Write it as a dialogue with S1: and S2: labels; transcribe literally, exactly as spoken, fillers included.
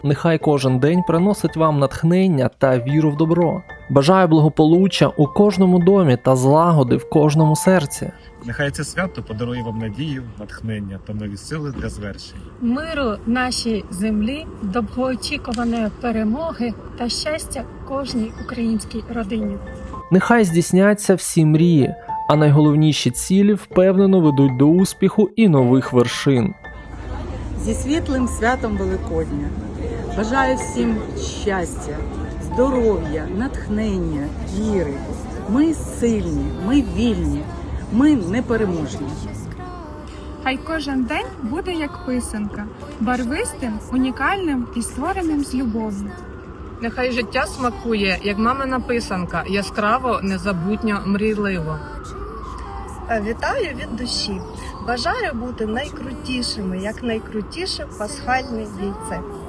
S1: Нехай кожен день приносить вам натхнення та віру в добро. Бажаю благополуччя у кожному домі та злагоди в кожному серці.
S2: Нехай це свято подарує вам надію, натхнення та нові сили для звершень.
S3: Миру нашій землі, довгоочікуваної перемоги та щастя кожній українській родині.
S1: Нехай здійсняться всі мрії, а найголовніші цілі впевнено ведуть до успіху і нових вершин.
S4: Зі світлим святом Великодня бажаю всім щастя, здоров'я, натхнення, віри. Ми сильні, ми вільні, ми непереможні.
S5: Хай кожен день буде як писанка, барвистим, унікальним і створеним з любов'ю.
S6: Нехай життя смакує, як мамина писанка, яскраво, незабутньо, мрійливо.
S7: Вітаю від душі. Бажаю бути найкрутішими, як найкрутіше пасхальне яйце.